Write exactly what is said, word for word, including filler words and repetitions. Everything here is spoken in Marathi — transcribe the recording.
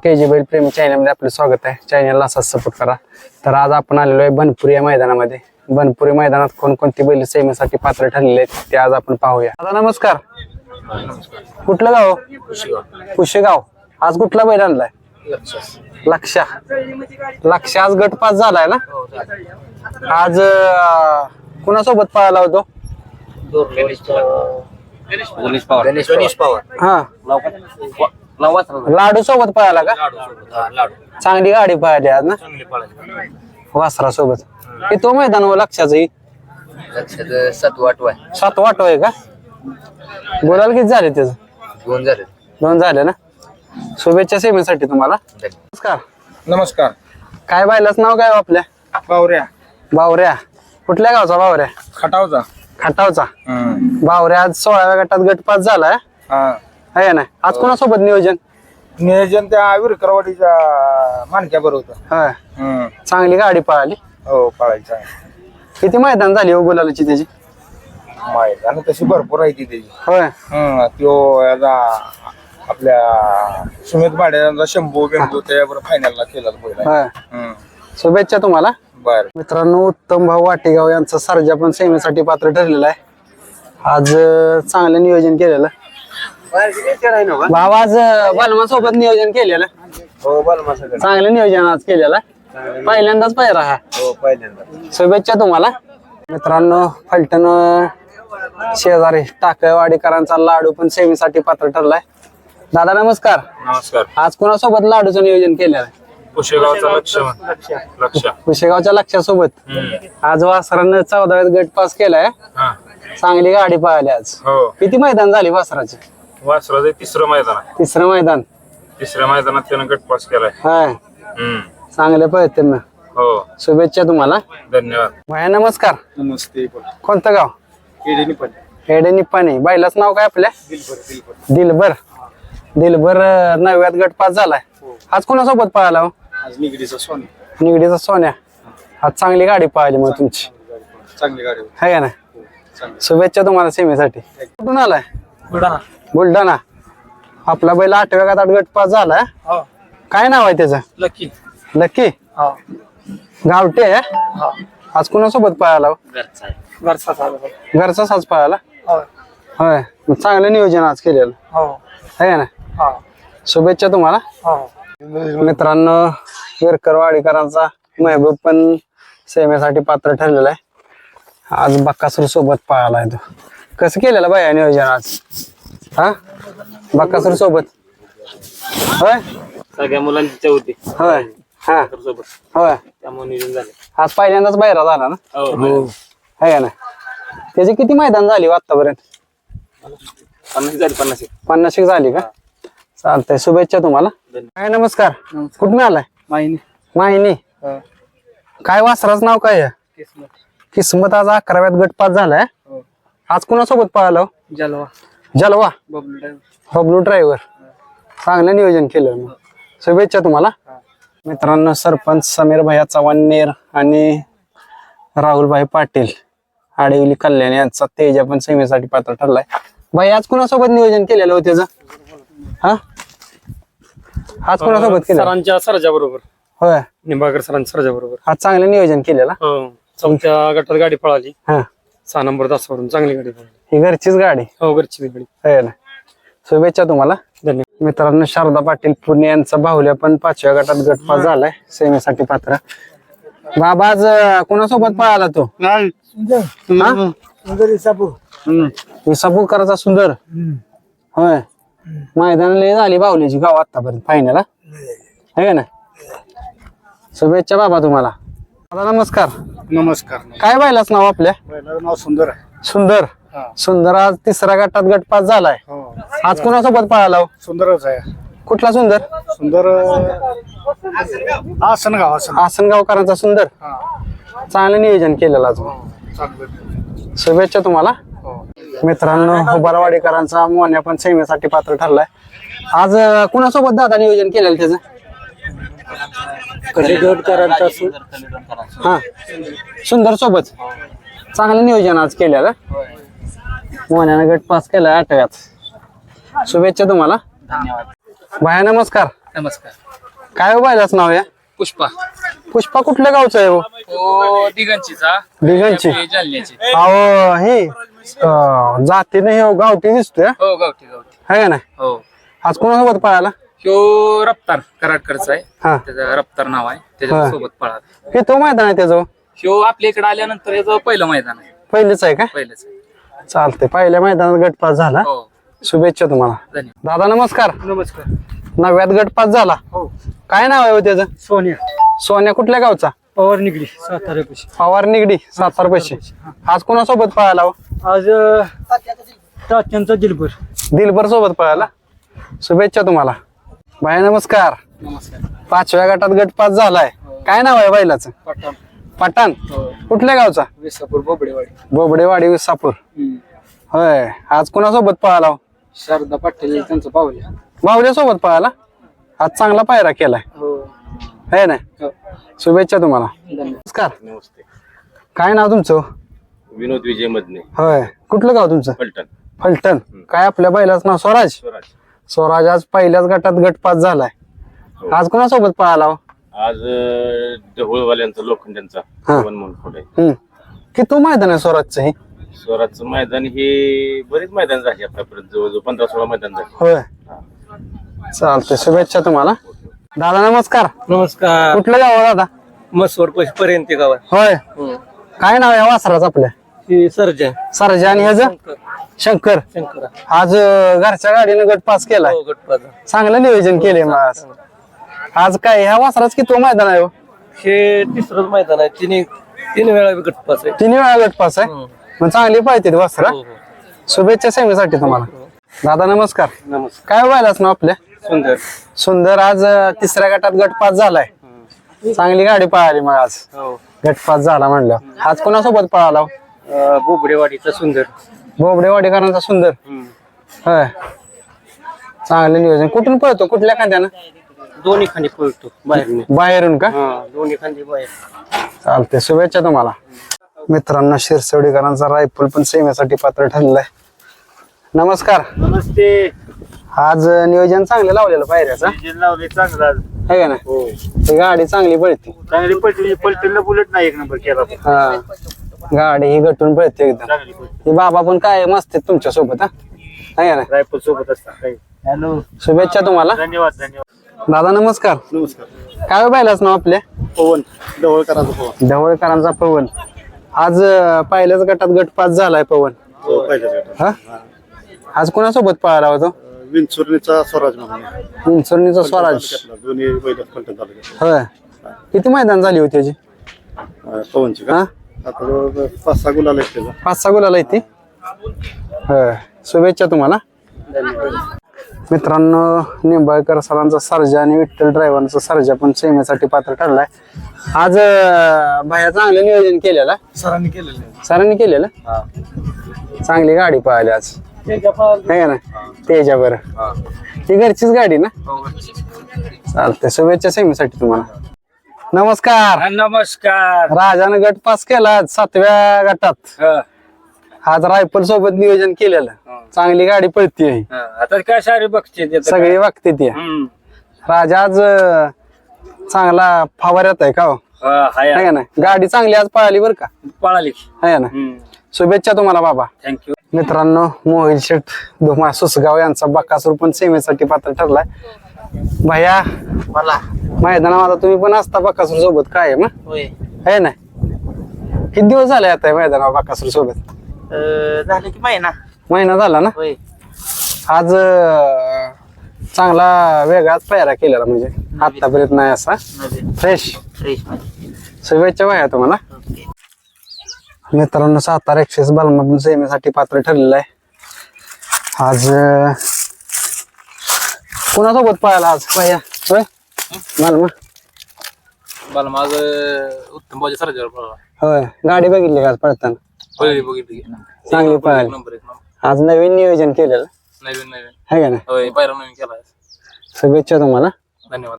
के जी बैल प्रेमी चॅनलमध्ये आपलं स्वागत आहे. चॅनलला असाच सपोर्ट करा. तर आज आपण आलेलो आहे बनपुरी या मैदानामध्ये. बनपुरी मैदानात कोणकोणती बैल सेमीसाठी पात्र ठरलेले आहेत ते आज आपण पाहूया. दादा नमस्कार. कुठलं गाव? कुशेगाव. आज कुठला बैल आणलाय? लक्षा. लक्षा आज गट पास झालाय ना? आज कुणासोबत पळाला होतो? हा लाडू सोबत पळाला का? चांगली गाडी पळाली आज ना वासरा सोबत. की तो मैदान व लक्षाचं सात वाटवाय सात वाटो आहे का? बोलायला किती झाले त्याच? दोन झाले दोन झाले ना. शुभेच्छा सेवेसाठी तुम्हाला. नमस्कार. नमस्कार. काय बायलाच नाव काय आपल्या? बावऱ्या. बावऱ्या. कुठल्या गावचा बावऱ्या? खटावचा. खटावचा. बावऱ्या आज सोळाव्या गटात गट पास झालाय आहे ना. आज कोणासोबत नियोजन? नियोजन त्या विरकरवाडीच्या मानक्या बरोबर होतं. होय. चांगली गाडी पळाली. हो पळायचं. किती मैदान झाली हो गुलालाची त्याची? मैदान तशी भरपूर आहे ती त्याची. होय. तो याचा आपल्या सुमित भाड्याचा शंभू बिंदू त्याबरोबर फायनलला केला पहिला. होय. शुभेच्छा तुम्हाला. बर मित्रांनो, उत्तम भाऊ वाटेगाव यांचा सर्जा पण सेमीसाठी पात्र ठरलेला आहे. आज चांगलं नियोजन केलेलं भाऊ. आज बालमा सोबत नियोजन केलेलं. हो बलमा सगळं चांगलं नियोजन आज केलेलं. पहिल्यांदाच पाहिला हा. हो पहिल्यांदा. शुभेच्छा तुम्हाला. मित्रांनो, फलटण शेजारी टाकळवाडीकरांचा लाडू पण सेमीसाठी पात्र ठरलाय. दादा नमस्कार. नमस्कार. आज कोणासोबत लाडूचं नियोजन केलेलं आहे? कुशेगावचा लक्ष लक्ष कुशेगावच्या लक्षासोबत. आज वासरानं चौदाव्यात गट पास केलाय. चांगली गाडी पळाली आज. हो. किती मैदान झाली वासराचे? वासराचं तिसरं मैदान आहे. तिसरं मैदान. तिसऱ्या मैदानात त्यानं गट पास केलाय. हाय. चांगले पळते ना. हो शुभेच्छा तुम्हाला. धन्यवाद. भया नमस्कार. नमस्ते. कोणतं गाव? हेडे निप्पाणी. बाईलाच नाव काय आपल्या? दिलबर. दिलबर नवव्यात गट पास झालाय. आज कोणासोबत पळाला हो? आज निगडीचा सोनी. निगडीचा सोन्या. आज चांगली गाडी पळाली मग तुमची. चांगली गाडी आहे का ना. शुभेच्छा तुम्हाला सेमीसाठी. कुठून आलाय? बुलढाणा. बुलढाणा. आपला बैल आठव्या गटात गट पास झालाय. काय नाव आहे त्याचं? लकी. लकी. गावठी आहे. आज कोणासोबत पळाला? घरचा साज पळाला. होय. मग चांगलं नियोजन आज केलेलं आहे ना. शुभेच्छा तुम्हाला. मित्रांनो, विरकरवाडीकरांचा महबूब पण सेमेसाठी पात्र ठरलेला आहे. आज बक्कासूर सोबत पळाला आहे तो. कसं केलेलं बाया नियोजन आज? हा बक्कासूर सोबत. होय. सगळ्या मुलांची होती. होय. हा होय. त्यामुळे नियोजन झाले. आज पहिल्यांदाच बाहेर झाला ना. आहे ना. त्याची किती मैदान झाली आतापर्यंत? पन्नास झाली. पन्नास पन्नास एक झाली का? चालतंय. शुभेच्छा तुम्हाला. काय नमस्कार. कुठून आलाय? माहिनी. माहिनी. काय वासराचं नाव काय आहे? किस्मत. आज अकराव्यात गट पास झालाय. आज कुणासोबत पळाला? जलवा. जलवा. बबलू ड्रायव्हर. बबलू ड्रायव्हर. चांगलं नियोजन केलं. शुभेच्छा तुम्हाला. मित्रांनो, सरपंच समीर भैया चव्हाणनेर आणि राहुलभाई पाटील आडिवली कल्याण यांचा तेजा पण सेमीसाठी पात्र ठरलाय. भाई आज कुणासोबत नियोजन केलेलं होतं त्याचं? हा आज कुणासोबत केलं? सरांच्या सरजा बरोबर. होय. निंबाळकर सरांच्या सरजा बरोबर. आज चांगलं नियोजन केलेलं. चौथ्या गटात गाडी पळाली. हा. सहा नंबर तासावरून चांगली गाडी पळाली. ही घरचीच गाडी. हो घरची गाडी. आहे ना. शुभेच्छा तुम्हाला. धन्यवाद. मित्रांनो, शारदा पाटील पुणे यांचा बाहुल्या पण पाचव्या गटात गट पास झालाय सेमीसाठी पात्र. बाबा आज कोणासोबत पळाला तो? विसापूरकरांचा सुंदर. होय. मैदान लय झाली बाहुल्याची गाव आतापर्यंत फायनल. आहे ना. शुभेच्छा बाबा तुम्हाला. दादा नमस्कार. नमस्कार. काय बायलाच नाव आपल्या? नाव सुंदर आहे. सुंदर. सुंदर आज तिसऱ्या गटात गट पास झालाय. आज कोणासोबत पळाला? सुंदरच आहे. कुठला सुंदर? सुंदर आसनगाव. आसनगावकरांचा सुंदर. चांगलं नियोजन केलेलं आज. शुभेच्छा तुम्हाला. मित्रांनो, हुबारवाडीकरांचा मोन्या पण सेमीसाठी पात्र ठरलाय. आज कुणासोबत दादा नियोजन केलेलं त्याचं? हा सुंदर सोबत. चांगलं नियोजन आज केलेलं. मोन्यानं गट पास केलाय आठव्यात. शुभेच्छा तुम्हाला. धन्यवाद. भाया नमस्कार. नमस्कार. काय हो बैलाचं नाव या पुष्पा पुष्पा कुठल्या गावचं आहे हो हो दिगंचीचा दिगंची जालन्याची अहो हे अं, जातीने हे गावठी दिसतोय हो गावठी गावठी है का नाही हो आज कोणासोबत पळाला ह्यो रफ्तार कराडकडचा आहे हा त्याचं रफ्तार नाव आहे त्याच्या सोबत पळा हे तो मैदान आहे त्याचं ह्यो आपल्या इकडे आल्यानंतर याचं पहिलं मैदान आहे पहिलेच आहे का पहिलंच आहे. चालते पहिल्या मैदानात गटपास झाला हो शुभेच्छा तुम्हाला धन्यवाद दादा नमस्कार नमस्कार नव्यात गटपास झाला हो काय नाव आहे हो त्याचं सोनिया सोन्या कुठल्या गावचा पवार निगडी सातारा पैसे पवार निगडी सातार पैसे आज कोणासोबत पळाला हो आज तात्यांचा दिलभर दिलभर सोबत पळाला शुभेच्छा तुम्हाला भाई नमस्कार नमस्कार पाचव्या गटात गटपास झालाय काय नाव आहे बैलाचं पठाण पठाण कुठल्या गावचा विसापूर बोबडेवाडी बोबडेवाडी विसापूर होय आज कोणासोबत पळाला हो? शारदा पाटील त्यांचं पावल्या बाहुल्या सोबत पळाला आज चांगला पायरा केलाय हो है ना हो. शुभेच्छा तुम्हाला धन्यवाद नमस्कार नमस्ते काय नाव तुमचं विनोद विजय मदने होय कुठलं गाव तुमचं पलटण फलटण काय आपल्या बैलाचं नाव स्वराज स्वराज स्वराज आज पहिल्याच गटात गटपास झालाय आज कोणासोबत पळाला हो? आज अं, ढवळवाल्यांचा लोखंड्यांचा हा. पवन मोलखोड आहे हम्म किती मैदान आहे स्वराजचं हे स्वराजचं मैदान हे बरेच मैदान झाले आतापर्यंत जवळजवळ पंधरा सोळा मैदान झाले होय चालतंय शुभेच्छा तुम्हाला दादा नमस्कार नमस्कार कुठलं गाव आहे दादा मसवड पैसे पर्यंत गावात होय काय नाव आहे वासराचं आपल्या ही सर्जन सरजा आणि ह्याचं शंकर शंकरा आज अं, घरच्या गाडीनं गट पास केलाय हो गटपाजा चांगलं नियोजन केलंय मग आज आज काय ह्या वासराच किती मैदान आहे हो? हे तिसरंच मैदान आहे तिन्ही तीन वेळा गटपास आहे तिन्ही वेळा गट पास आहे हो. मग चांगली पाहिजे वासरा हो, हो. शुभेच्छा सेवेसाठी तुम्हाला दादा नमस्कार नमस्कार काय व्हायलाच ना आपल्या सुंदर सुंदर आज अं, तिसऱ्या गटात गट पास झालाय चांगली गाडी पळाली मग आज हो गट पास झाला म्हणलं आज कोणासोबत पळाला हो? अं, बोबडेवाडीचा सुंदर बोबडेवाडीकरांचा सुंदर होय चांगलं नियोजन कुठून पळतो कुठल्या खांद्यानं दोन्ही खांदी पळतो बाहेर बाहेरून का दोन्ही खांदी बाहेर चालते शुभेच्छा तुम्हाला मित्रांनो शिरसवडीकरांचा रायफल पण सेवेसाठी पात्र ठरलाय नमस्कार नमस्ते आज नियोजन चांगलं लावलेलं पायऱ्याचा लावले चांगला है का ना ही गाडी चांगली पळते चांगली पलटी पलटीला बुलेट नाही एक नंबर केला हा गाडी ही गटून पळते एकदम ही बाबा पण काय मस्त आहेत तुमच्या सोबत हा है का ना रायपूर सोबत असतात हॅलो शुभेच्छा तुम्हाला धन्यवाद धन्यवाद दादा नमस्कार नमस्कार काय पाहिलाच ना आपल्या पवन ढवळकरांचा पवन ढवळकरांचा पवन आज अं, पहिल्याच गटात गट पास झालाय पवन हो पहिल्याच हा आज कोणासोबत पळाला होतो विंचुर्णीचा स्वराज म्हणून विंचुर्णीचा स्वराज दोन्ही बैल पलटण झाले होय किती मैदान झाली होती त्याची पवनची हा आता पाच सहा गुलाल आहेत त्याचा पाच सहा गुलाला ती होय शुभेच्छा तुम्हाला मित्रांनो निंबाळकर सरांचा सर्जा आणि विठ्ठल ड्रायव्हरचा सर्जा पण सेमेसाठी पात्र ठरलाय आज अं, बाहेर चांगलं नियोजन केलेलं सरांनी केलेलं सरांनी केलेलं चांगली गाडी पळाली आज है का ना त्याच्यावर ती घरचीच गाडी ना चालते शुभेच्छा सेमीसाठी तुम्हाला नमस्कार नमस्कार राजानं गट पास केला आज सातव्या गटात हा. आज रायफल सोबत नियोजन केलेलं चांगली गाडी पळती हा. आता काय सारे बघते ते तर सगळी वागते ती काय. हम्म. राजा आज अं, चांगला फावऱ्यात आहे का हो हा, हाय है का ना गाडी चांगली आज पळाली बरं का पळाली है ना शुभेच्छा तुम्हाला बाबा थँक्यू मित्रांनो मोहिल शेठ धुमा सुसगाव यांचा बकासूर पण सेवेसाठी पात्र ठरलाय भैया मला मैदाना माझा तुम्ही पण असता बकासूर सोबत काय आहे मग होय है ना किती दिवस झाले आता मैदाना बकासूर सोबत झालं की महिना महिना झाला ना होय आज अं, चांगला वेगळाच पायरा केलेला म्हणजे आतापर्यंत नाही असा फ्रेश शुभेच्छा भैया तुम्हाला मित्रांनो सातारा एक्सेस बालमा पण सेमेसाठी पात्र ठरलेलं आहे आज अं, कोणासोबत पळाला आज भैया होय बालमा मला माझ उत्तम बाजी सरजावर पळाला होय गाडी बघितली का आज पळताना पहिली बघितली चांगली पळाली नंबर एक नंबर आज नवीन नियोजन केलेलं नवीन नवीन आहे का ना होय पहिला नवीन केला शुभेच्छा तुम्हाला धन्यवाद